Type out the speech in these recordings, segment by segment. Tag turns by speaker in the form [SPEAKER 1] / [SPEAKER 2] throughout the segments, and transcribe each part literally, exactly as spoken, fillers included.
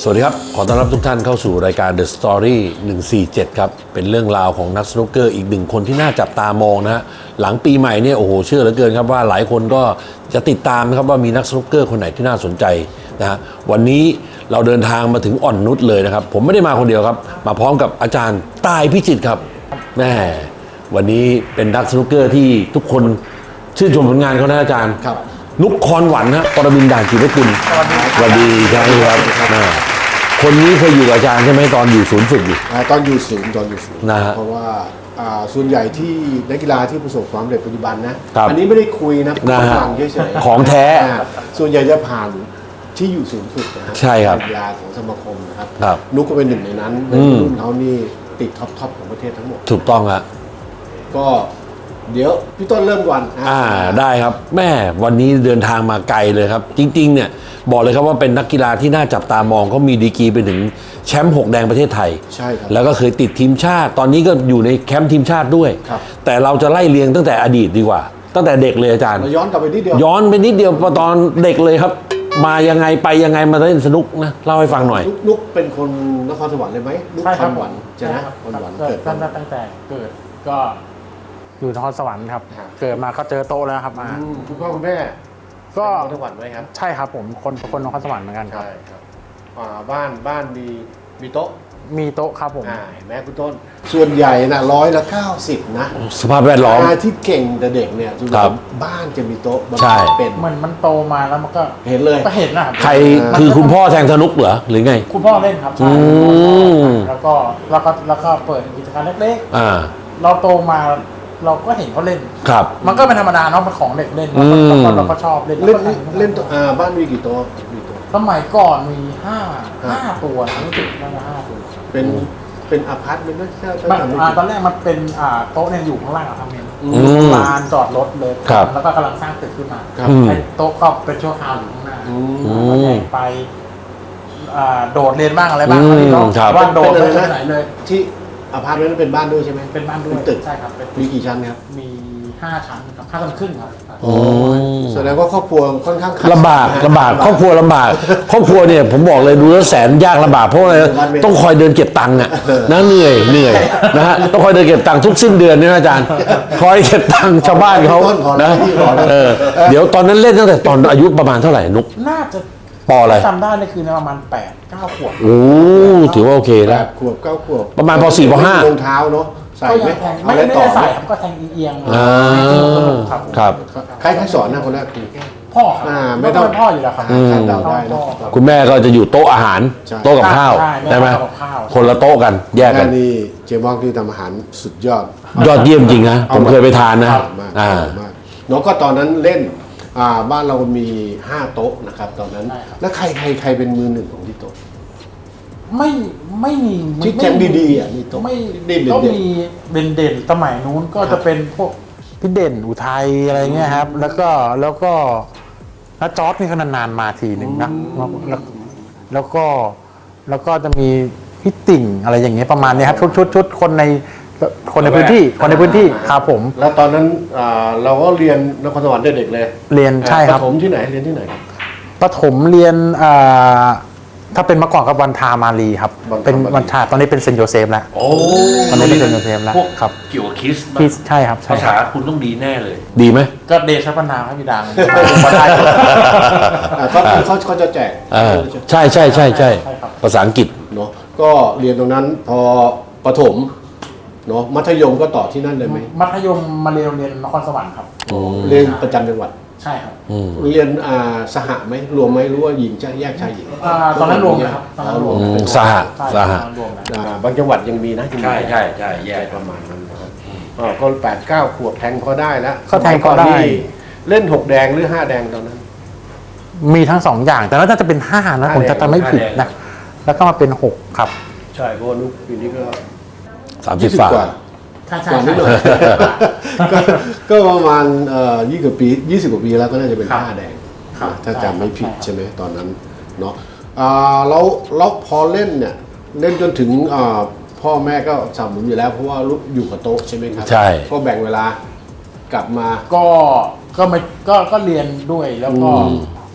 [SPEAKER 1] สวัสดีครับขอต้อนรับทุกท่านเข้าสู่รายการ The Story หนึ่งสี่เจ็ดครับเป็นเรื่องราวของนักสนุกเกอร์อีกหนึ่งคนที่น่าจับตามองนะฮะหลังปีใหม่เนี่ยโอ้โหเชื่อเหลือเกินครับว่าหลายคนก็จะติดตามนะครับว่ามีนักสนุกเกอร์คนไหนที่น่าสนใจนะฮะวันนี้เราเดินทางมาถึงอ่อนนุชเลยนะครับผมไม่ได้มาคนเดียวครับมาพร้อมกับอาจารย์ตายพิจิตรครับแม่วันนี้เป็นนักสนุกเกอร์ที่ทุกคนชื่นชมผลงานเขานะอาจารย์
[SPEAKER 2] ครับ
[SPEAKER 1] นุกคอนหวันนะปรมินทร์ด่านจิตรกุลสวัสดีครับคนนี้เคยอยู่กับอาจารย์ใช่ไหมตอนอยู่ศูนย์ฝึกอยู่
[SPEAKER 2] ตอนอยู่ศูนย์ตอนอยู่ศูนย์
[SPEAKER 1] นะฮะ
[SPEAKER 2] เพราะว่าส่วนใหญ่ที่นักกีฬาที่ประสบความสำเร็จปัจจุบันนะอันนี้ไม่ได้คุยนะฟังเฉยๆ
[SPEAKER 1] ของแท้
[SPEAKER 2] ส่วนใหญ่จะผ่านที่อยู่ศูนย์ฝึกนะ
[SPEAKER 1] ใช่ครับ
[SPEAKER 2] กีฬาของสมาคมนะครับนุกก็เป็นหนึ่งในนั้นในรุ่นเขานี่ติดท็อปทอปของประเทศทั้งหมด
[SPEAKER 1] ถูกต้องครับ
[SPEAKER 2] ก็เดี๋ยวพี่ต้นเริ่มก่อน
[SPEAKER 1] อ่าได้ครับแม่วันนี้เดินทางมาไกลเลยครับจริงๆเนี่ยบอกเลยครับว่าเป็นนักกีฬาที่น่าจับตามองเขามีดีกรีไปถึงแชมป์หกแดงประเทศไทย
[SPEAKER 2] ใช่ครับ
[SPEAKER 1] แล้วก็เคยติดทีมชาติตอนนี้ก็อยู่ในแคมป์ทีมชาติด้วยแต่เราจะไล่เรียงตั้งแต่อดีตดีกว่าตั้งแต่เด็กเลยอาจารย์
[SPEAKER 2] ย้อนกลับไปนิดเดียว
[SPEAKER 1] ย้อนไปนิดเดียวตอนเด็กเลยครับมายังไงไปยังไงมาเล่นสนุกนะเล่าให้ฟังหน่อย
[SPEAKER 2] นุกเป็นคนนครสวรรค์เลยไหมนุกคอนหวันใช่ไหมคอนหวัน
[SPEAKER 3] เกิดตั้งแต่ตั้งแต่เกิดก็อยู่นครสวรรค์ครับเกิดมาก็เจอโต๊ะแล้วครับมา
[SPEAKER 2] คุณพ่อคุณแม่
[SPEAKER 3] ก็
[SPEAKER 2] นครสวรรค์ไหมครับ
[SPEAKER 3] ใช่ครับผมคนคนนครสวรรค์เหมือนกันครับ
[SPEAKER 2] ใช่ครับบ้านบ้านมีมีโต๊ะ
[SPEAKER 3] มีโต๊ะครับผม
[SPEAKER 2] เห็นไหมคุณต้นส่วนใหญ่นะร้อยละเก้าสิบนะ
[SPEAKER 1] สภาพแวดล้อม
[SPEAKER 2] ที่เก่งแต่เด็กเนี่ยทุกบ้านจะมีโต๊ะ
[SPEAKER 1] ใช่
[SPEAKER 2] เป็น
[SPEAKER 3] มันมันโตมาแล้วมันก็
[SPEAKER 2] เห็นเลย
[SPEAKER 3] ก็เห็นนะครับ
[SPEAKER 1] ใครคือคุณพ่อแทงสนุกเหรอหรือไง
[SPEAKER 3] คุณพ่อเล่นครับใช่แล้วก็แล้วก็แล้วก็เปิดกิจการเล็กๆเราโตมาเราก็เห็นเขาเล่น
[SPEAKER 1] ครับ
[SPEAKER 3] มันก็เป็นธรรมดาเนาะเป็นของเด็กเล่นเราก็ชอบเล่น
[SPEAKER 2] เล่นเล่นบ้านมีกี่โต๊ะ
[SPEAKER 3] สมัยก่อนมีห้าห้าตัวรู้สึกน่าจะห้าตัว
[SPEAKER 2] เป็นเป็นอพาร์ตเมนต์
[SPEAKER 3] ใช่ตอนแรกมันเป็นโต๊ะเนี่ยอยู่ข้างล่างอะทำเองลานจอดรถเลยแล้วก็กำลังสร้างตึกขึ้นมาโต๊ะก็เป็นชั่วคราวอยู่ข้างหน้าไปโดดเรียนบ้างอะไรบ้าง
[SPEAKER 2] ว่าโดดไปไหนเลยที่อพาร์ตเมนต์เป็นบ้านด้วยใช่ไหม
[SPEAKER 3] เป็นบ้านด้วย
[SPEAKER 2] ตึก
[SPEAKER 3] ใช่ครับ
[SPEAKER 2] มีกี่ชั้นครับ
[SPEAKER 3] มีห้าชั้นครับห้าชั้นครึ่งครับ
[SPEAKER 2] แสดงว่าครอบครัวค่อนข้าง
[SPEAKER 1] ลำบากลำบากครอบครัวลำบากครอบครัวเนี่ยผมบอกเลยดูแล้วแสนยากลำบากเพราะอะไรต้องคอยเดินเก็บตังค์อ่ะนะเหนื่อยเหนื่อยนะฮะต้องคอยเดินเก็บตังค์ทุกสิ้นเดือนนี่นะอาจารย์คอยเก็บตังค์ชาวบ้านเขานะเออเดี๋ยวตอนนั้นเล่นตั้งแต่ตอนอายุประมาณเท่าไหร่นุก
[SPEAKER 3] น่าจะ
[SPEAKER 1] ปออะไร
[SPEAKER 3] จำได้นี่คือประมาณแปดเก้าขวบ
[SPEAKER 1] โอ้ถือว่าโอเคแล้ว
[SPEAKER 2] ขวบเก้าขวบ
[SPEAKER 1] ประมาณปสี่ปห้าร
[SPEAKER 2] องเท้าเนาะใส่ไหม
[SPEAKER 3] ไม่ได้ใส่ครับก็แทงเอียง
[SPEAKER 1] ครับ
[SPEAKER 2] ใครใครสอนนะคนแรกคือ
[SPEAKER 3] พ่อครับไม่ต้องพ่ออยู่แล้วครับ
[SPEAKER 2] เดาได้นะ
[SPEAKER 1] คุณแม่ก็จะอยู่โต๊ะอาหารโต๊ะกับข้าวได้ไหมคนละโต๊ะกันแยกกัน
[SPEAKER 2] นี่เจมองที่ทำอาหารสุดยอด
[SPEAKER 1] ยอดเยี่ยมจริงนะผมเคยไปทานนะ
[SPEAKER 2] อ่าน้องก็ตอนนั้นเล่นบ้านเรามีห้าโต๊ะนะครับตอนนั้นแล้วใครใครใครเป็นมือหนึ่งของที่โต๊ะ
[SPEAKER 3] ไม่ไม่มี
[SPEAKER 2] ที่แจงดีๆอ่ะมีโต๊ะ
[SPEAKER 3] ไม่ก็มีเด่นเด่นสมัยนู้นก็จะเป็นพวกพี่เด่นอุทัยอะไรเงี้ยครับแล้วก็แล้วก็น้าจอร์จนี่ก็นานๆมาทีหนึ่งนะแล้วแล้วก็แล้วก็จะมีพี่ติ่งอะไรอย่างเงี้ยประมาณนี้ครับชุดชุดชุดคนในคนในพื้นที่คนในพื้นที่ครับผม
[SPEAKER 2] แล้วตอนนั้นเราก็เรียนนครสวรรค์เด็กๆเลย
[SPEAKER 3] เรียนใช่ครับ
[SPEAKER 2] ประถมที่ไหนเรียนที่ไหนครับ
[SPEAKER 3] ประถมเรียนถ้าเป็นเมื่อก่อนกับวันทามารีครับเป็นวันทาตอนนี้เป็นเซนโยเซฟแล้ว
[SPEAKER 1] โอ้
[SPEAKER 3] ตอนนี้เป็นเซนโยเซฟแล้ว
[SPEAKER 1] ครับเกี่ยวกับคริสต์
[SPEAKER 3] ใช่ครับ
[SPEAKER 1] ภาษาคุณต้องดีแน่เลยดีไหม
[SPEAKER 3] ก็เดชะพนาให้พี่ดัง
[SPEAKER 2] เขาเขาเขาจะแจก
[SPEAKER 1] ใช่ใช่ใช่ใช่ภาษาอังกฤษ
[SPEAKER 2] เนาะก็เรียนตรงนั้นพอประถมเนาะมัธยมก็ต่อที่นั่นเลยไหม
[SPEAKER 3] มัธยมมาเรียนโรงเรียนนครสวรรค์ครับ
[SPEAKER 2] เรียนประจำจังหวัด
[SPEAKER 3] ใช่ครับ
[SPEAKER 2] เรียนสหไหมรวมไหมหรือว่าหญิงจะแยกชายหญิง
[SPEAKER 3] ตอนนั้นรวมนะครับตอนนั้นรวม
[SPEAKER 1] สหสห
[SPEAKER 2] บางจังหวัดยังมีนะ
[SPEAKER 1] ใช่ใช่ใช่แยก
[SPEAKER 2] ประมาณนั้นนะครับก็แปดเก้าขวบแทงพอได้แล้ว
[SPEAKER 3] ก็แทงพอได้
[SPEAKER 2] เล่นหกแดงหรือห้าแดงตอนนั้น
[SPEAKER 3] มีทั้งสองอย่างแต่น่าจะเป็นห้านะผมจะจำไม่ผิดนะแล้วก็มาเป็นหกครับ
[SPEAKER 2] ใช่เพราะลูกปีนี้ก็
[SPEAKER 1] สามสิบกว่า
[SPEAKER 2] ก่อนนิดหน่อยก็ประมาณยี่สิบปียี่สิบกว่าปีแล้วก็น่าจะเป็นห้าแดงถ้าจำไม่ผิดใช่ไหมตอนนั้นเนาะแล้วแล้วพอเล่นเนี่ยเล่นจนถึงพ่อแม่ก็สนับสนุนอยู่แล้วเพราะว่าลูกอยู่กับโต๊ะใช่ไหมครับ
[SPEAKER 1] ใช่
[SPEAKER 2] ก็แบ่งเวลากลับมา
[SPEAKER 3] ก็ก็ไม่ก็ก็เรียนด้วยแล้วก็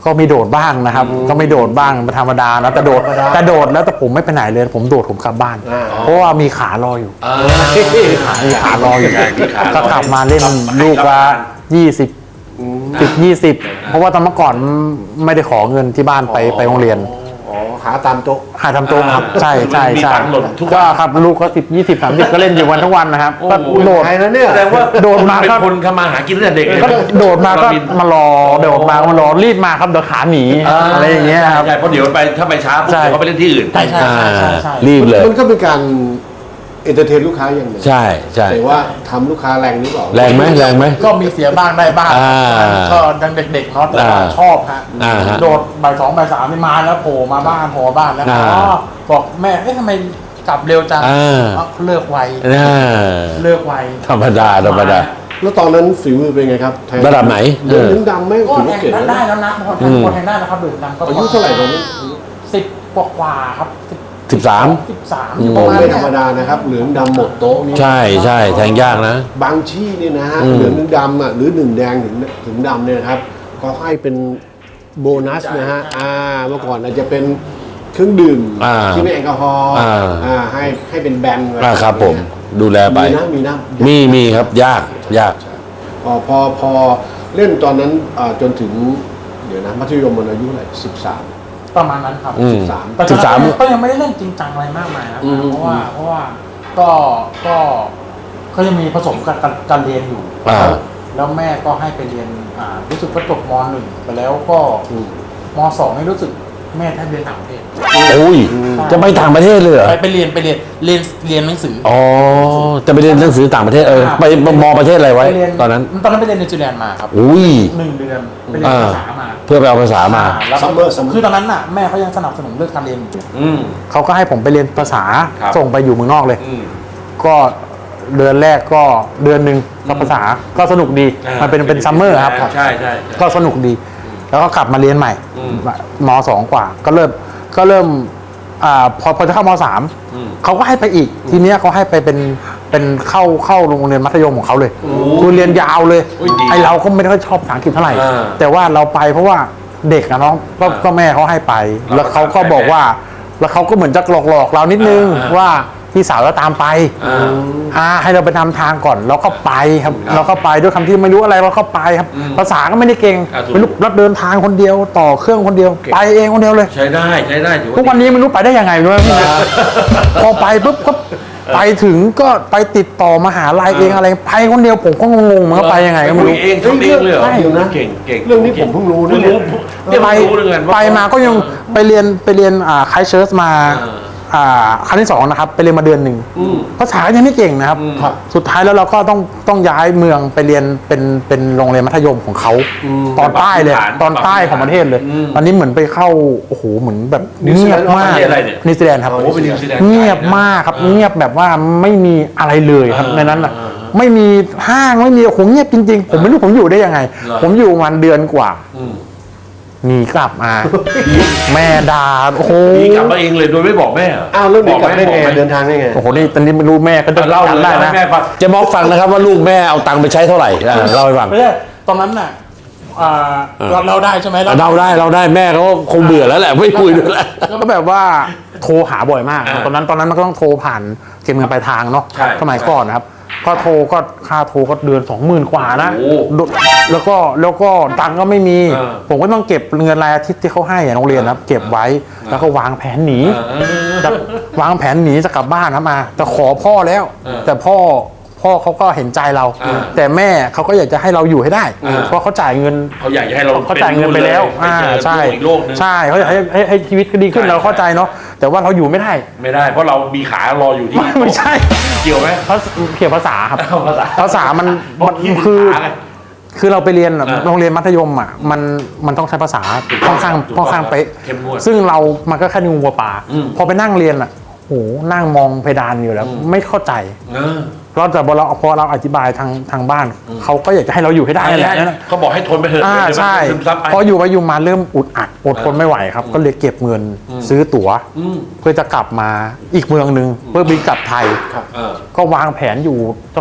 [SPEAKER 3] ก็มีโดดบ้างนะครับ ก็ไม่โดดบ้างเป็นธรรมดานะแต่โดด
[SPEAKER 2] ธรรมดา
[SPEAKER 3] แต่โดดแล้วแต่ผมไม่ไปไหนเลย ผมโดดผมกลับบ้าน
[SPEAKER 2] อ่า
[SPEAKER 3] เพราะว่ามีขารออยู่
[SPEAKER 1] อ่า
[SPEAKER 3] มีขารออยู่
[SPEAKER 1] ใช่มีขารอ
[SPEAKER 3] ก็กลับมาเล่นลูกละยี่สิบสิบยี่สิบเพราะว่าตอนเมื่อก่อนไม่ได้ขอเงินที่บ้านไปไปโรงเรียน
[SPEAKER 2] อ๋อหาตามโต๊ะ
[SPEAKER 3] หาทำโต๊ะครับใช่ใช่
[SPEAKER 1] มี
[SPEAKER 3] ใช่
[SPEAKER 1] ตังค์หล่นทุกวัน
[SPEAKER 3] ก็ครับลูกก็สิบยี่สิบสามสิบก็เล่นอยู่วันทั้งวันนะครับก็โดด
[SPEAKER 2] ใครนะเนี่ย
[SPEAKER 1] แสดงว่า
[SPEAKER 3] โดดมา
[SPEAKER 1] เป็น
[SPEAKER 3] ก็
[SPEAKER 1] คนทำมาหากินตั้งแต่เด็กเลย
[SPEAKER 3] ก็โดดมาก็
[SPEAKER 1] เร
[SPEAKER 3] มารอโดดมาก็มารอรีบมาครับเดี๋ยวขาหนีอะไรอย่างเงี้ยครับ
[SPEAKER 1] ใช่เพราะเดี๋ยวไปถ้าไปช้าปุ๊บ
[SPEAKER 3] ใช่
[SPEAKER 1] เดี๋ยวเขาไปเล่นที่อื่น
[SPEAKER 3] ใช่ใช่ใช่ใช่ใช่
[SPEAKER 1] รีบเลย
[SPEAKER 2] มันก็เป็นการเอนเตอร์เทนลูกค้าอย่างหนึ่ง
[SPEAKER 1] ใช่ใช่
[SPEAKER 2] แต่ว่าทำลูกค้าแรงหรือเปล่า
[SPEAKER 1] แรงไหมแรงไหม
[SPEAKER 3] ก็มีเสียบ้างได้บ้าง
[SPEAKER 1] อ่า
[SPEAKER 3] ก็ยังเด็กๆเนาะแต่ว่า
[SPEAKER 1] อ่า
[SPEAKER 3] ชอบฮะ
[SPEAKER 1] อ่าฮะ
[SPEAKER 3] โดดบ่ายสองบ่ายสามนี่มาแล้วโผล่มาบ้านโผล่มาบ้านแล้ว
[SPEAKER 1] อ่า
[SPEAKER 3] อ๋อบอกแม่เอ๊ะทำไมกลับเร็วจัง
[SPEAKER 1] อ่า
[SPEAKER 3] อ๋อเลิกไว
[SPEAKER 1] อ่า
[SPEAKER 3] เลิกไว
[SPEAKER 1] ธรรมดาธรรมดา
[SPEAKER 2] แล้วตอนนั้นฝีมือเป็นไงครับแทง
[SPEAKER 1] ระดับไหน
[SPEAKER 2] เดือดถึงดำไหม
[SPEAKER 3] ก็
[SPEAKER 2] ถือ
[SPEAKER 3] แท
[SPEAKER 2] ว่าง เก่ง
[SPEAKER 3] ได้
[SPEAKER 2] นะ
[SPEAKER 3] ได้แล้วนะพอแท
[SPEAKER 1] อื
[SPEAKER 3] ง
[SPEAKER 1] ม
[SPEAKER 3] พอแทงได้นะครับดื่มดำก็
[SPEAKER 2] อายุเท่าไหร่ตอนนั้น
[SPEAKER 3] สิบกว่าๆครับสิบ
[SPEAKER 1] สิบสาม
[SPEAKER 3] สิบสาม
[SPEAKER 1] อืม
[SPEAKER 3] ประมาณ
[SPEAKER 2] ไม่
[SPEAKER 3] เนี้
[SPEAKER 2] ธรรม
[SPEAKER 3] ย
[SPEAKER 2] ดานะครับเหลืองดำหมดโต๊ะนี่
[SPEAKER 1] ใช่ใช่แทงยากนะ
[SPEAKER 2] บางที่นี่นะฮะ
[SPEAKER 1] อืม
[SPEAKER 2] เหลืองถึงดำอ่ะหรือหนึ่งแดงถึงถึงดำเนี่ยนะครับก็ให้เป็นโบนัสนะฮะอ่าเมื่อก่อนอาจจะเป็นเครื่องดื่ม
[SPEAKER 1] อ่า
[SPEAKER 2] ที่ไม่แอลกอฮอล์
[SPEAKER 1] อ่า
[SPEAKER 2] อ่าให้ให้เป็นแบนไว้
[SPEAKER 1] อ่าครับผมดูแลไป
[SPEAKER 2] มีนะมีนะ
[SPEAKER 1] มีมีครับยากยาก
[SPEAKER 2] พอพอพอเล่นตอนนั้นอ่าจนถึงเดี๋ยวนะมัธยมมันอายุเท่าไหร่สิบสาม
[SPEAKER 3] ประมาณนั้นครับ
[SPEAKER 1] อืม
[SPEAKER 2] สาม
[SPEAKER 3] แต่ต
[SPEAKER 1] สิ
[SPEAKER 3] อน
[SPEAKER 1] บสาม
[SPEAKER 3] นั้นก็ยังไม่ได้เล่นจริงจังอะไรมากมายนะ
[SPEAKER 2] อืม
[SPEAKER 3] เพราะว่าเพราะว่าก็ก็ก็ยังมีผสมกับการการเรียนอยู่
[SPEAKER 1] อ่า
[SPEAKER 3] แล้วแม่ก็ให้ไปเรียนอ่ารู้สึกว่าจบมหนึ่งไปแล้วก็มสองนี่รู้สึกแม่ให้เรียนต่างประเทศ
[SPEAKER 1] โอ้ยจะไปต่างประเทศเลยเหรอ
[SPEAKER 3] ไปไปเรียนไปเรียนเรียนเรียนหนังสือ
[SPEAKER 1] อ๋อจะไปเรียนหนังสือต่างประเทศเออไปมอประเทศอะไรไว้
[SPEAKER 3] ปเรีย
[SPEAKER 1] ตอนนั้น
[SPEAKER 3] ตอนนั้นไปเรียนนิวซีแลนด์มาครับ
[SPEAKER 1] อุ้ย
[SPEAKER 3] หนึ่งเดือนไปเรียน
[SPEAKER 1] อ่า
[SPEAKER 3] ภาษามา
[SPEAKER 1] เพื่อไปเอาภาษามา
[SPEAKER 3] อ่แล้วก็
[SPEAKER 2] Summer Summer
[SPEAKER 3] คือตอนนั้นน่ะแม่เขายังสนับสนุนเรื่องการเรียนอยู่
[SPEAKER 1] อืม
[SPEAKER 3] เขาก็ให้ผมไปเรียนภาษา
[SPEAKER 1] ครับ
[SPEAKER 3] ส่งไปอยู่เมืองนอกเลย
[SPEAKER 1] อืม
[SPEAKER 3] ก็เดือนแรกก็เดือนหนึ่งกับภาษาก็สนุกดี
[SPEAKER 1] อ่า
[SPEAKER 3] มันเป็นเป็นซัมเมอร์ครับ
[SPEAKER 1] ใช่ใช่ใช่
[SPEAKER 3] ก็สนุกดี แล้วก็กลับมาเรียนใหม่
[SPEAKER 1] อืม
[SPEAKER 3] มสองกว่า ก็เริ่มก็เริ่มอ่าพอพอจะเข้ามสาม
[SPEAKER 1] อืม
[SPEAKER 3] เขาก็ให้ไปอีก ทีเนี้ยเขาให้ไปเป็นเป็นเข้าเข้าโรงเรียนมัธยมของเขาเลยคือเรียนยาวเลย
[SPEAKER 1] โอ้ยดี
[SPEAKER 3] ไอเราก็ไม่ได้ค่อยชอบภาษาอังกฤษเท่าไหร่
[SPEAKER 1] อ่า
[SPEAKER 3] แต่ว่าเราไปเพราะว่าเด็กอะเนาะก็
[SPEAKER 1] อ่า
[SPEAKER 3] ก็แม่เขาให้ไป
[SPEAKER 1] เราก็
[SPEAKER 3] แล้วเขาก็บอกว่า แล้วเขาก็เหมือนจะหลอกหลอกๆเรานิดนึง
[SPEAKER 1] อ่า
[SPEAKER 3] ว่าพี่สาวเราตามไป
[SPEAKER 1] อ่า
[SPEAKER 3] อ่าให้เราไปนำทางก่อนเราก็ไปครับ
[SPEAKER 1] ครับ
[SPEAKER 3] เราก็ไปด้วยคำที่ไม่รู้อะไรเราก็ไปครับ
[SPEAKER 1] อืม
[SPEAKER 3] ภาษาก็ไม่ได้เก่ง
[SPEAKER 1] อ่าถูก
[SPEAKER 3] ไม่รู้รับเดินทางคนเดียวต่อเครื่องคนเดียว ไปเองคนเดียวเลย
[SPEAKER 1] ใช้ได้ใช้ได้ถือว่า
[SPEAKER 3] ทุกวันนี้ไม่รู้ไปได้ยังไงไม่รู้นะพี่นะพอไปปุ๊บก็ไปถึงก็ไปติดต่อมหาลัยเองอะไรไปคนเดียวผมก็งงๆมันก็ไปยังไงก็ไม่รู้
[SPEAKER 1] คุยเองทำเองเลยเหรอ
[SPEAKER 2] เดี๋ยวนะ
[SPEAKER 1] เก่งเก่ง
[SPEAKER 2] เรื่องนี้ผมเพิ่งรู้นะเนี่ย
[SPEAKER 1] เนี่ย
[SPEAKER 3] ไป
[SPEAKER 1] เพิ่งรู้เลยกันว่า
[SPEAKER 3] ไปมาก็ยังไปเรียนไปเรียนอ่าไคเชิร์สมา
[SPEAKER 1] อ่า
[SPEAKER 3] อ่าครั้งที่สองนะครับไปเรียนมาเดือนหนึ่ง
[SPEAKER 1] อืม
[SPEAKER 3] ภาษายังไม่เก่งนะครับ
[SPEAKER 1] อืม
[SPEAKER 3] ครับ สุดท้ายแล้วเราก็ต้องต้องย้ายเมืองไปเรียนเป็นเป็นโรงเรียนมัธยมของเขาตอนใต้เลย
[SPEAKER 1] ปรับพื้นฐาน
[SPEAKER 3] ตอนใต้ของประเทศเลย
[SPEAKER 1] อืม
[SPEAKER 3] ตอนนี้เหมือนไปเข้าโอ้โหเหมือนแบบ
[SPEAKER 2] นิวซี
[SPEAKER 3] เงี
[SPEAKER 2] แล
[SPEAKER 3] ย
[SPEAKER 2] น
[SPEAKER 3] บ
[SPEAKER 2] ด์
[SPEAKER 3] มาก
[SPEAKER 1] ประเทศอะไรเนี่ย
[SPEAKER 3] นิวซีแลนด์ครับ
[SPEAKER 1] โอ้เป็นนิวซีแลนด์
[SPEAKER 3] เงียบมากครับ
[SPEAKER 1] อ่า
[SPEAKER 3] เงียบแบบว่าไม่มีอะไรเลยครับ
[SPEAKER 1] อ่า
[SPEAKER 3] ในนั้นอ่ะ
[SPEAKER 1] อ่า
[SPEAKER 3] ไม่มีห้างไม่มีโอ้โหเงียบจริงๆ ผมไม่รู้ผมอยู่ได้ยังไง
[SPEAKER 1] เหรอ
[SPEAKER 3] ผมอยู่ประมันเดือนกว่า
[SPEAKER 1] อืม
[SPEAKER 3] หนีกลับมา แม่ด่าโอ้โห
[SPEAKER 1] นี่กลับมาเองเลยโดยไม่บอกแม่เหรอ
[SPEAKER 2] อ้าวเรื่องนี้กลับได้ไง
[SPEAKER 1] บอกหม
[SPEAKER 2] เดินทางได้ไง
[SPEAKER 3] โอ้โหนี่ตอนนี้ไม่รู้แม่ก็จะ
[SPEAKER 1] เล่า
[SPEAKER 3] จำ
[SPEAKER 1] ได้
[SPEAKER 3] ได้
[SPEAKER 1] นะ
[SPEAKER 3] นะ
[SPEAKER 1] แม่ฟังจะบอกฟังนะครับว่าลูกแม่เอาตังค์ไปใช้เท่าไหร่อ่าเล่าให้ฟัง
[SPEAKER 3] ไม่ใช่ตอนนั้นน่ะอ่าเราเราได้ใช่ไหม
[SPEAKER 1] เราได้เราได้แม่เขาคงเบื่อแล้วแหละไม่คุยด้วยแล้ว
[SPEAKER 3] ก็แบบว่าโทรหาบ่อยมาก
[SPEAKER 1] อ่า
[SPEAKER 3] ตอนนั้นตอนนั้นมันก็ต้องโทรผ่านเก็บเงินปลายทางเนาะ
[SPEAKER 1] ใช่
[SPEAKER 3] สมัยก่อนนะครับ ก็โทรก็ค่าโทรก็เดือนสองหมื่นกว่านะ
[SPEAKER 1] โอ้
[SPEAKER 3] แล้วก็แล้วก็ตังค์ก็ไม่มี
[SPEAKER 1] เออ
[SPEAKER 3] ผมก็ต้องเก็บเงินรายอาทิตย์ที่เขาให้อะโรงเรียนนะครับ เก็บไว้แล้วก็วางแผนหนี
[SPEAKER 1] เออ
[SPEAKER 3] จะวางแผนหนีจะกลับบ้านนะมาแต่ขอพ่อแล้ว
[SPEAKER 1] เออ
[SPEAKER 3] แต่พ่อพ่อเขาก็เห็นใจเรา
[SPEAKER 1] เออ
[SPEAKER 3] แต่แม่เขาก็อยากจะให้เราอยู่ให้ได้
[SPEAKER 1] เออ
[SPEAKER 3] เพราะเขาจ่ายเงิน
[SPEAKER 1] เขาอยากจะให้เรา
[SPEAKER 3] เขาจ่ายเงินไปแล้ว
[SPEAKER 1] อ่า
[SPEAKER 3] อ่า
[SPEAKER 1] ใช่
[SPEAKER 3] ใช่
[SPEAKER 1] อีกโลกหนึง
[SPEAKER 3] ใช่เขาอยากให้ให้ให้ชีวิตก็ดีขึ้น
[SPEAKER 1] ใช่
[SPEAKER 3] เราเข้าใจเนาะแต่ว่าเราอยู่ไม่ได้
[SPEAKER 1] ไม่ได้ เพราะเรามีขารออยู่ที่
[SPEAKER 3] ไม่ไม่ใช่
[SPEAKER 1] เกี่ยวไหม
[SPEAKER 3] เพราะเกี่ยวภาษาครับ
[SPEAKER 1] เอาภาษา
[SPEAKER 3] ภาษามันมัน
[SPEAKER 1] คิด
[SPEAKER 3] คือ
[SPEAKER 1] ขาไง
[SPEAKER 3] คือเราไปเรียนอะ
[SPEAKER 1] อ่า
[SPEAKER 3] โรงเรียนมัธยมอ่ะมันมันต้องใช้ภาษาค่อนข้าง
[SPEAKER 1] ถูกต้อง
[SPEAKER 3] ค่อนข้างเป๊ะ
[SPEAKER 1] เข้มงวด
[SPEAKER 3] ซึ่งเรามันก็แค่งูวัวปลา
[SPEAKER 1] อืม
[SPEAKER 3] พอไปนั่งเรียนอ่ะโหนั่งมองเพดานอยู่แล้ว
[SPEAKER 1] อืม
[SPEAKER 3] ไม่เข้าใจ
[SPEAKER 1] เออ
[SPEAKER 3] เราแต่พอเราพอเราอธิบายทางทางบ้านเขาก็อยากจะให้เราอยู่ให้ได้นั่นแหละนั่นแหละ
[SPEAKER 1] เขาบอกให้ทนไปเถอะ
[SPEAKER 3] อ่า
[SPEAKER 1] เดี๋ยวมัน
[SPEAKER 3] ใช่
[SPEAKER 1] ซึมซับไป
[SPEAKER 3] พออยู่ไปอยู่มาเริ่มอุดอัดอดทนไม่ไหวครับ ก็เลยเก็บเงินซื้อตั๋ว
[SPEAKER 1] อืม
[SPEAKER 3] เพื่อจะกลับมาอีกเมืองหนึ่งเพื่อบินกลับไทย
[SPEAKER 1] เออ
[SPEAKER 3] ก็วางแผนอยู่สัก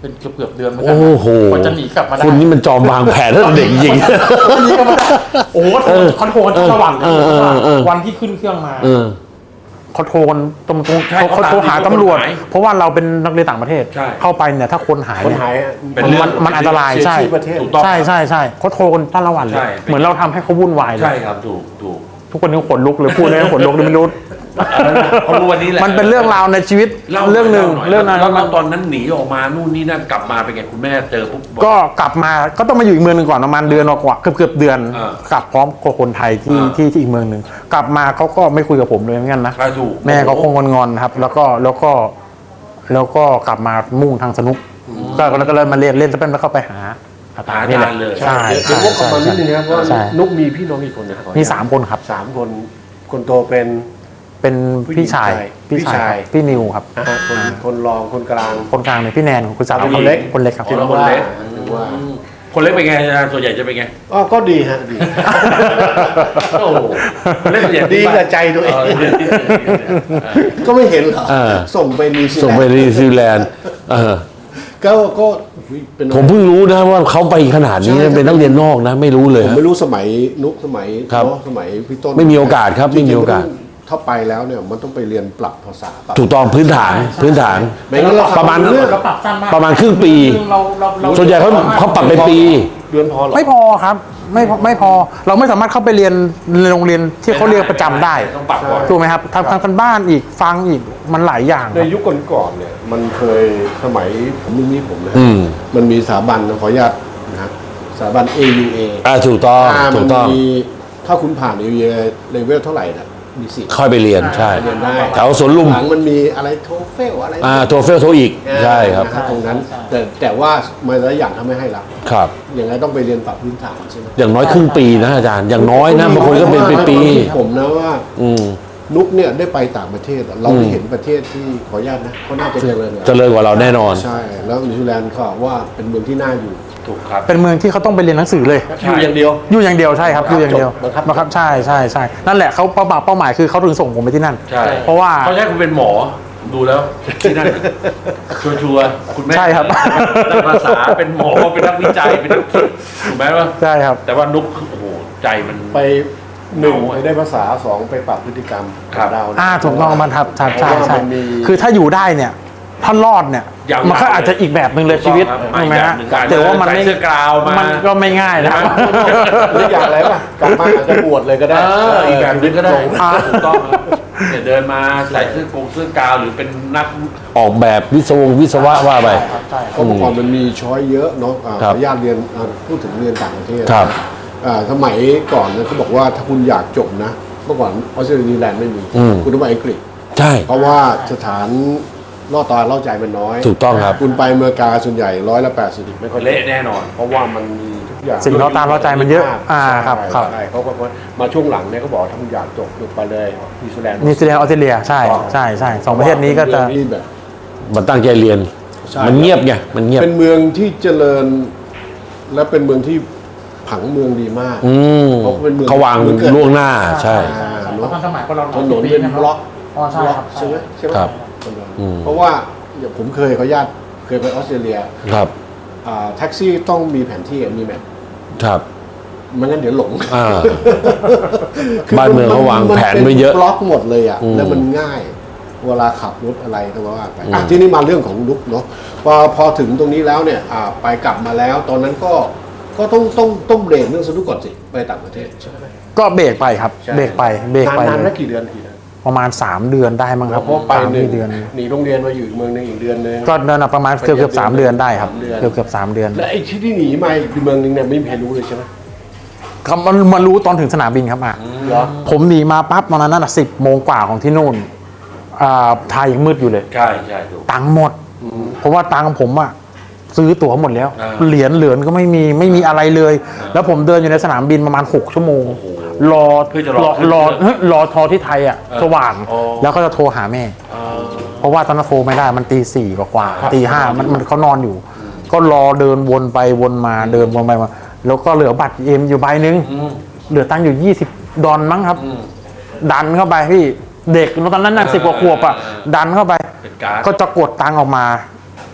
[SPEAKER 3] เป็นเกือบเกือบเดือนเหมือนกั
[SPEAKER 1] โอ้โห
[SPEAKER 3] กว่าจะหนีกลับมาได้
[SPEAKER 1] คุณนี่มันจอมวางแผนตั้งแต่เด็กจริง
[SPEAKER 3] หนีกลับมาได้โอ้โหโทรเขาโทรกันระหว่าง
[SPEAKER 1] เออเออเออ
[SPEAKER 3] วันที่ขึ้นเครื่องมา
[SPEAKER 1] เออ
[SPEAKER 3] เขาโทรกันตรงตรง
[SPEAKER 1] ใช่
[SPEAKER 3] เขาเขาโทรหา
[SPEAKER 1] เขาตาม
[SPEAKER 3] ตำรวจ
[SPEAKER 1] กฎหมาย
[SPEAKER 3] เพราะว่าเราเป็นนักเรียนต่างประเทศ
[SPEAKER 1] ใช่
[SPEAKER 3] เข้าไปเนี่ยถ้าคนหาย
[SPEAKER 2] คน
[SPEAKER 3] เนี่ย
[SPEAKER 2] หาย
[SPEAKER 1] เป็น
[SPEAKER 3] มัน
[SPEAKER 1] เรื่อง
[SPEAKER 3] มันมันอันตรายใช่
[SPEAKER 2] เสียชื่อประเทศ
[SPEAKER 1] ถูกต้อง
[SPEAKER 3] ใช่ใช่ใช่เขาโทรกันตั้งละวันเล
[SPEAKER 1] ใช่
[SPEAKER 3] ยเหมือนเราทำให้เขาวุ่นวายเลย
[SPEAKER 1] ใช่ครับถูกถูก
[SPEAKER 3] ทุกคนนี้ขนลุกเลยพูดเลยขนลุกเลยไม่รู้
[SPEAKER 1] เขารู้วันนี้แหละ
[SPEAKER 3] มันเป็นเรื่องราวในชีวิตเรื่องหนึ่งเรื่องนั้น
[SPEAKER 1] แล้วแล้วตอนนั้นหนีออกมานู่นนี่นั่นกลับมาเป็นไงคุณแม่เจอปุ๊บบอก
[SPEAKER 3] ก็กลับมาก็ต้องมาอยู่อีกเมืองหนึ่งก่อนประมาณเดือนกว่าเกือบเกือบเดือน
[SPEAKER 1] อ่าก
[SPEAKER 3] ลับพร้อมกับคนไทยที่
[SPEAKER 1] อ่า
[SPEAKER 3] ที่ที่อีกเมืองหนึ่งกลับมาเขาก็ไม่คุยกับผมเลยเหมือนกันนะ
[SPEAKER 1] ใช่ถูก
[SPEAKER 3] แม่เขาคงงอนๆครับ แล้วก็แล้วก็แล้วก็กลับมามุ่งทางสนุกก็แล้วก็เลยมาเรียนเล่นแล้วเป็นแล้วเข้าไปหาอาตา
[SPEAKER 1] หา
[SPEAKER 3] นี่แหละ
[SPEAKER 1] ทานเลย
[SPEAKER 3] ใช่
[SPEAKER 2] เดี๋ยว
[SPEAKER 3] ใช่
[SPEAKER 2] เดี๋ยววกกลับมานิดนึงนะครับว่า
[SPEAKER 3] ใช่
[SPEAKER 2] นุกมีพี่น้องกี่คนนะครับ
[SPEAKER 3] มีสามคนครับ
[SPEAKER 2] สามคนคนโตเป็น
[SPEAKER 3] เป็นพี่ชาย
[SPEAKER 2] ผู้หญิงชาย
[SPEAKER 3] ครับพี่นิวครับ
[SPEAKER 2] นะฮะคนคนรองคนกลาง
[SPEAKER 3] คนกลางเนี่ยพี่แนนคุณสาว
[SPEAKER 2] คนเล็ก
[SPEAKER 3] คนเล็กครับ
[SPEAKER 1] ที่เราคนเล็ก
[SPEAKER 2] หรือว่า
[SPEAKER 1] คนเล็กเป็นไงอาจารย์ส่วนใหญ่จะเป็นไง
[SPEAKER 2] อ๋อก็ดีฮะดี
[SPEAKER 1] โอ้โหคนเล็กส่วนใหญ่
[SPEAKER 2] ดีกับใจตัวเอง
[SPEAKER 1] เออดีดีดีดีเออ
[SPEAKER 2] ก็ไม่เห็นเหรอ
[SPEAKER 1] เออ
[SPEAKER 2] ส่งไปนิวซี
[SPEAKER 1] ส่ง
[SPEAKER 2] แล
[SPEAKER 1] ไป
[SPEAKER 2] นด์
[SPEAKER 1] นิวซีแลนด์เออ
[SPEAKER 2] ก็ก็อุ๊ยเป็น
[SPEAKER 1] ผมเพิ่งรู้นะว่าเขาไปขนาดนี้นะเป็นนักเรียนนอกนะ ไม่รู้เลย
[SPEAKER 2] ผม
[SPEAKER 1] ฮะ
[SPEAKER 2] ไม่รู้สมัยนุกสมัย
[SPEAKER 1] ครับ
[SPEAKER 2] เนาะสมัยพี่ต้น
[SPEAKER 1] ไม่มีโอกาสครับไม่มีโอกาส
[SPEAKER 2] จริงๆถ้าไปแล้วเนี่ยมันต้องไปเรียนปรับภาษาปรับ
[SPEAKER 1] ถูกต้องพื้นฐานพื้นฐาน
[SPEAKER 2] ไม่งั้นเรา
[SPEAKER 1] ประมาณ
[SPEAKER 2] เรื่อง
[SPEAKER 3] เราปรับสั้นมาก
[SPEAKER 1] ประมาณครึ่งปี
[SPEAKER 3] เราเราเรา
[SPEAKER 1] ส่วนใหญ่เขาเขาปรับเป็นปี
[SPEAKER 2] เดือนพอเหรอ
[SPEAKER 3] ไม่พอครับไม่พอไม่พอเราไม่สามารถเข้าไปเรียนในโรงเรียนที่เขาเรียนประจำได้
[SPEAKER 1] ต้องปรับก่อน
[SPEAKER 3] ถูกไหมครับทำทำกันบ้านอีกฟังอีกมันหลายอย่างค
[SPEAKER 2] ใน
[SPEAKER 3] รับ
[SPEAKER 2] ยุคก่อนๆเนี่ยมันเคยสมัยผมรุ่นนี้ผมนะ
[SPEAKER 1] อืม
[SPEAKER 2] มันมีสถาบันขออนุญาตนะครับสถาบัน เอ ยู เอ
[SPEAKER 1] อ่าถูกต้อง
[SPEAKER 2] อ่า
[SPEAKER 1] ถู
[SPEAKER 2] มัน
[SPEAKER 1] กต้อง
[SPEAKER 2] มีถ้าคุณผ่าน เอ ยู เอ เลเวลเท่าไหร่นะมีสิทธิ์
[SPEAKER 1] ค่อยไปเรียนใช่
[SPEAKER 2] เรียนได้
[SPEAKER 1] แถวสวนลุม
[SPEAKER 2] หลังมันมีอะไรโทเฟลอะไร
[SPEAKER 1] อ่าโทเฟลโทอีกใช่ครับ
[SPEAKER 2] นะตรงนั้น แต่แต่ว่ามาหลายอย่างทำไม่ให้ละ
[SPEAKER 1] ครับ
[SPEAKER 2] อย่างไรต้องไปเรียนปรับพื้นฐานใช่ไหม
[SPEAKER 1] อย่างน้อยครึ่งปีนะอาจารย์อย่างน้อยนะบางคนก็เป็นปีปี
[SPEAKER 2] ผมนะว่า
[SPEAKER 1] ๆอืม
[SPEAKER 2] นุกเนี่ยได้ไปต่างประเทศอะเราได้เห็นประเทศที่ขออนุญาตนะเขาน่าจะเจริญกว่า
[SPEAKER 1] เจริญกว่าเราแน่นอน
[SPEAKER 2] ใช่ แล้วนิวซีแลนด์เขาบอกว่าเป็นเมืองที่น่าอยู่
[SPEAKER 1] ถูกครับ
[SPEAKER 3] เป็นเมืองที่เขาต้องไปเรียนหนังสือเลย
[SPEAKER 2] อยู่อย่างเดียว
[SPEAKER 3] อยู่อย่างเดียวใช่ครับอยู่อย่างเดียว
[SPEAKER 2] บังคับ
[SPEAKER 3] บังคับใช่ใช่ใช่นั่นแหละเขาเป้าเป้าหมายคือเขาถึงส่งผมไปที่นั่น
[SPEAKER 1] ใช่
[SPEAKER 3] เพราะว่า
[SPEAKER 1] เขาใช้คุณเป็นหมอดูแล้วที่นั่นชัวร์ชัวร์ๆคุณแม่
[SPEAKER 3] ใช่ครับ
[SPEAKER 1] นักภาษาเป็นหมอเป็นนักวิจัยเป็นนักคิดถูกไหมว่า
[SPEAKER 3] ใช่ครับ
[SPEAKER 1] แต่ว่านุกโอ้โหใจมัน
[SPEAKER 2] ไปหนึ่ง
[SPEAKER 1] เอาอะ
[SPEAKER 2] ไปได้ภาษาสองไปปรับพฤติกรรม
[SPEAKER 1] ครับ
[SPEAKER 2] ของเรานะ
[SPEAKER 3] อ่าถูกต้องมันครับใช่ใช่
[SPEAKER 2] เพราะว่า
[SPEAKER 3] ใช่
[SPEAKER 2] มันมี
[SPEAKER 3] คือถ้าอยู่ได้เนี่ยถ้ารอดเนี่ย
[SPEAKER 1] ยาวๆ
[SPEAKER 3] มันก็อาจจะอีกแบบหนึ่งเลยชีวิต
[SPEAKER 1] ถูกต้องครับ
[SPEAKER 3] ถูกไหมฮะ
[SPEAKER 1] อีกแบบหนึ่ง
[SPEAKER 3] แต่ว่ามันไม่
[SPEAKER 1] ใส่เสื้อกราวมามั
[SPEAKER 3] นก็ไม่ง่ายนะ
[SPEAKER 2] หรืออย่างไรป่ะกลับมาอาจจะบวชเลยก็ได้
[SPEAKER 1] เอออีกแบบนึงก็ได้
[SPEAKER 3] อ่า
[SPEAKER 1] ถูกต้องครับเนี่ยเดินมาใส่เสื้อกงเสื้อกาวหรือเป็นนักออกแบบวิศวงวิศวะว่าไป
[SPEAKER 3] ใช่
[SPEAKER 2] เพราะเมื่อก่อนมันมีช้อยเยอะเนาะอ่าข
[SPEAKER 1] ครั
[SPEAKER 2] อบ อนุญาตเรียนอ่าพูดถึงเรียนต่างประเทศ
[SPEAKER 1] ครับ
[SPEAKER 2] อ่าสมัยก่อนนะเขาบอกว่าถ้าคุณอยากจบนะเมื่อก่อนออสเตรเลียนิวซีแลนด์ไม่มี
[SPEAKER 1] อืม
[SPEAKER 2] คุณต้องไปอังกฤษ
[SPEAKER 1] ใช่
[SPEAKER 2] เพราะว่าสถานล่อตาล่อใจมันน้อย
[SPEAKER 1] ถูกต้องครับ
[SPEAKER 2] คุณไปอเมริกาส่วนใหญ่ร้อยละแปดสิบไม่ค่อย
[SPEAKER 1] เละแน่นอน
[SPEAKER 2] เพราะว่ามันมีทุกอย่าง
[SPEAKER 3] สิ่งล่อตาล่อใจมันเยอะอ่าครับครับ
[SPEAKER 2] ใช่เขาก็มาช่วงหลังเนี่ยเขาบอกถ้าคุณอยากจบจบไปเลยนิวซีแลนด์
[SPEAKER 3] นิวซีแลนด์ออสเตรเลียใช่ใช่ใช่สองประเทศนี้ก็จะ
[SPEAKER 2] เป็นเมืองที่แบบ
[SPEAKER 1] มันตั้งใจเรียน
[SPEAKER 2] ใช่
[SPEAKER 1] มันเงียบไงมันเงียบ
[SPEAKER 2] เป็นเมืองที่เจริญ และเป็นเมืองที่ผังเมืองดีมาก
[SPEAKER 1] อืม
[SPEAKER 2] เพราะเป็นเมือง
[SPEAKER 1] เขาวาง
[SPEAKER 2] เมืองเกิด
[SPEAKER 1] ล่วงหน้าใช่
[SPEAKER 2] อ่า
[SPEAKER 3] เพ
[SPEAKER 2] เนอะ
[SPEAKER 3] ราะทันสมัยก็เรา
[SPEAKER 2] ถนนเป็นบล็อก
[SPEAKER 3] อ๋อใช่
[SPEAKER 2] บล็อก
[SPEAKER 3] ครับ
[SPEAKER 2] ใช่ไหมใช่ไหม
[SPEAKER 1] ครับ
[SPEAKER 2] ถนน
[SPEAKER 1] อืม
[SPEAKER 2] เพราะว่าอย่างผมเคยขออนุญาตเคยไปออสเตรเลีย
[SPEAKER 1] ครับ
[SPEAKER 2] อ่าแท็กซี่ต้องมีแผนที่มีแมพ
[SPEAKER 1] ครับ
[SPEAKER 2] ไม่งั้นเดี๋ยวหลง
[SPEAKER 1] อ่า
[SPEAKER 2] คือ
[SPEAKER 1] บ้านเมืองเขาวางแผนไว้เยอะ
[SPEAKER 2] บล็อกหมดเลยอ่ะ
[SPEAKER 1] อืม
[SPEAKER 2] แล้วมันง่าย เวลาขับรถอะไรก็ว่าไปอ่ะทีนี้มาเรื่องของลุกเนาะพอพอถึงตรงนี้แล้วเนี่ยอ่าไปกลับมาแล้ว ตอนนั้นก็ก็ต้องต้องต้องเบรกเรื่องสนุกก่อนสิไปต่างประเทศใช่ไหม
[SPEAKER 3] ก็เบรกไปครับ
[SPEAKER 2] ใช่
[SPEAKER 3] เบรกไปเบรกไป
[SPEAKER 2] นานๆ
[SPEAKER 3] เล
[SPEAKER 2] ไม่
[SPEAKER 3] ย
[SPEAKER 2] กี่เดือนกี่เดือน
[SPEAKER 3] ประมาณสามเดือนได้มั้งครับ
[SPEAKER 2] เพราะไป
[SPEAKER 3] สาม
[SPEAKER 2] หนึ่ง
[SPEAKER 3] เดือน
[SPEAKER 2] หนีโรงเรียนมาอยู่อีกเมืองหนึงอีกเดือนหนึง
[SPEAKER 3] ก็เดินประมาณเกือบเกือบสามเดือนได้ครับ
[SPEAKER 2] สามเดือน
[SPEAKER 3] เกือบเกือบสามเดือน
[SPEAKER 2] และไอ้ที่ที่หนีมาอีกเมืองหนึงเนี่ยไม่มีใครรู้เลยใช่ไหม
[SPEAKER 3] ครับมันมารู้ตอนถึงสนามบินครับอ่ะ
[SPEAKER 2] เหรอ
[SPEAKER 3] ผมหนีมาปั๊บตอนนั้นน่ะสิบโมงกว่าของที่นู่นอ่าไทยยังมืดอยู่เลย
[SPEAKER 1] ใช่ใช่ถูก
[SPEAKER 3] ตังค์หมด เพราะว่าตังค์ผมอะซื้อตั๋วหมดแล้ว
[SPEAKER 1] อ่า
[SPEAKER 3] เหรียญเหลือนก็ไม่มีไม่มีอะไรเลย แล้วผมเดินอยู่ในสนามบินประมาณหกชั่วโมง รอ
[SPEAKER 1] เพื่อจะรอ
[SPEAKER 3] รอ
[SPEAKER 1] ขึ้นเครื่อง
[SPEAKER 3] รอทอที่ไทยอะ
[SPEAKER 1] เออ
[SPEAKER 3] สว่าง
[SPEAKER 1] อ๋อ
[SPEAKER 3] แล้วก็จะโทรหาแม่
[SPEAKER 1] อ่า
[SPEAKER 3] เพราะว่าตอนนั้นโทรไม่ได้มันตีสี่กว่าๆตีห้ามันมันเขานอนอยู่ ก็รอเดินวนไปวนมาเดินวนไปมาแล้วก็เหลือบัตรเอ็มอยู่ใบหนึ่ง
[SPEAKER 1] อืม
[SPEAKER 3] เหลือตังค์อยู่ยี่สิบดอลมั้งครับ
[SPEAKER 1] อืม
[SPEAKER 3] ดันเข้าไปพี่เด็กตอนนั้นน่ะ
[SPEAKER 1] อ่า
[SPEAKER 3] สิบกว่าขวบอ่ะ
[SPEAKER 1] อ่า
[SPEAKER 3] ดันเข้าไป
[SPEAKER 1] เป็นการ์ด
[SPEAKER 3] ก็จะกดตังค์ออกมา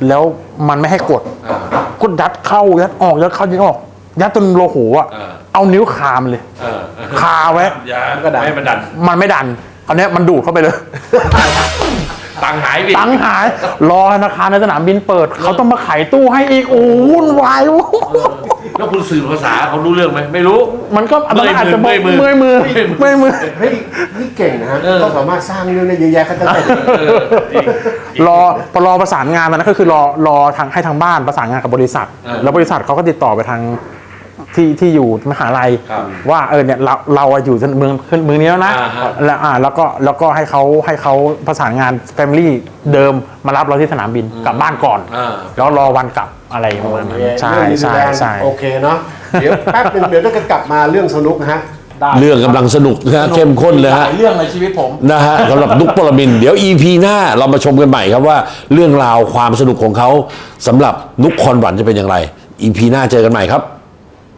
[SPEAKER 3] แล้วมันไม่ให้กด
[SPEAKER 1] อ่า
[SPEAKER 3] ก็ยัดเข้ายัดออกยัดเข้ายัดออกยัดจนโลโหอ่ะ
[SPEAKER 1] อ่า
[SPEAKER 3] เอานิ้วคามนเลย
[SPEAKER 1] เออ
[SPEAKER 3] คาไว้
[SPEAKER 1] อย่าไม่ให้มันดัน
[SPEAKER 3] มันไม่ดันเอาเนี้ยมันดูดเข้าไปเลย
[SPEAKER 1] ตังค์หายไป
[SPEAKER 3] ตังค์หาย รอธนาคารในสนามบินเปิด เขาต้องมาไขตู้ให้อีก โอ้วุ่นวาย
[SPEAKER 1] แล้วคุณสื่อภาษาเขารู้เรื่องไหมไม่รู้
[SPEAKER 3] มันก็ตอนนั้นอาจจะ
[SPEAKER 1] เมื่อยมือ
[SPEAKER 3] เมื่อยมือเมื่อยมือ
[SPEAKER 2] เฮ้ยนี่เก่งนะฮะ
[SPEAKER 1] เออ
[SPEAKER 2] เขาสามารถสร้างเรื่องได้เยอะแยะขนาดนั้น
[SPEAKER 1] เออจริง
[SPEAKER 3] รอพอรอประสานงานตอนนั้นก็คือรอรอทางให้ทางบ้านประสานงานกับบริษัท
[SPEAKER 1] เออ
[SPEAKER 3] แล้วบริษัทเขาก็ติดต่อไปทางที่ที่อยู่มหาลัย
[SPEAKER 1] ครับ
[SPEAKER 3] ว่าเออเนี่ยเราเราอะอยู่เมืองเมืองนี้แล้วนะ
[SPEAKER 1] อ่าฮะ
[SPEAKER 3] แล้วอ่าแล้วก็แล้วก็ให้เขาให้เขาประสานงานแฟมิลี่เดิมมารับเราที่สนามบินกลับบ้านก่อน
[SPEAKER 1] อ่า
[SPEAKER 3] แล้วรอวันกลับอะไรประมาณนั้นใช่
[SPEAKER 2] เรื่องนิวซี
[SPEAKER 3] ใช่
[SPEAKER 2] แลนด์
[SPEAKER 3] ใช่
[SPEAKER 2] โอเคเนาะเดี๋ยวแป๊บนึงเดี๋ยวเราจะกลับมาเรื่องสนุกนะฮะ
[SPEAKER 1] เรื่องกำลังสนุกนะฮะเข้มข้นเลย
[SPEAKER 3] ห
[SPEAKER 1] ฮะ
[SPEAKER 3] ลายเรื่องในชีวิตผม
[SPEAKER 1] นะฮะสำหรับนุกปรมินทร์เดี๋ยว อี พี หน้าเรามาชมกันใหม่ครับว่าเรื่องราวความสนุกของเขาสำหรับนุกคอนหวันจะเป็นอย่างไร อี พี หน้าเจอกันใหม่ครับ